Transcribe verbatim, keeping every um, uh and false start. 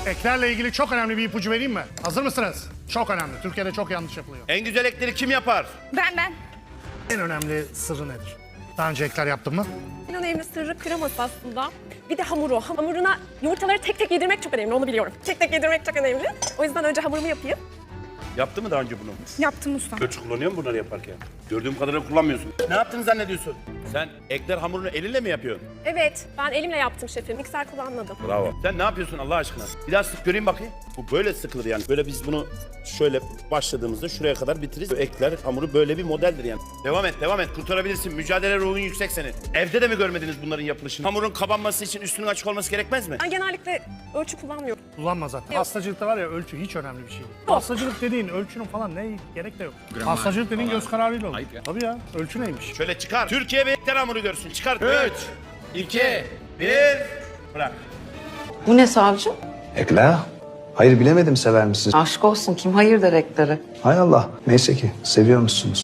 Eklerle ilgili çok önemli bir ipucu vereyim mi? Hazır mısınız? Çok önemli. Türkiye'de çok yanlış yapılıyor. En güzel ekleri kim yapar? Ben ben. En önemli sırrı nedir? Daha önce ekler yaptın mı? En önemli sırrı kreması aslında. Bir de hamuru. Hamuruna yumurtaları tek tek yedirmek çok önemli, onu biliyorum. Tek tek yedirmek çok önemli. O yüzden önce hamurumu yapayım. Yaptı mı daha önce bunu? Yaptım ustam. Ölçü kullanıyor musun bunları yaparken? Gördüğüm kadarıyla kullanmıyorsun. Ne yaptığını zannediyorsun? Sen ekler hamurunu elinle mi yapıyorsun? Evet, ben elimle yaptım şefim. Mikser kullanmadım. Bravo. Sen ne yapıyorsun Allah aşkına? Bir daha sık göreyim bakayım. Bu böyle sıkılır yani. Böyle biz bunu şöyle başladığımızda şuraya kadar bitiririz. Ekler hamuru böyle bir modeldir yani. Devam et, devam et. Kurtarabilirsin. Mücadele ruhun yüksek senin. Evde de mi görmediniz bunların yapılışını? Hamurun kabarması için üstünün açık olması gerekmez mi? Ben genellikle ölçü kullanmıyorum. Kullanma zaten. Yok. Pastacılıkta var ya, ölçü hiç önemli bir şey değil. Pastacılık dediğin ölçünün falan ne gerek de yok. Pastacılık dediğin göz kararıyla olur. Tabii ya. Ölçü neymiş? Şöyle çıkar. Türkiye bir ekler hamuru görsün. Çıkar. Üç, iki, bir. Bırak. Bu ne savcı? Ekler? Hayır bilemedim, sever misiniz? Aşk olsun, kim hayır der ekleri? Hay Allah. Neyse ki seviyormuşsunuz.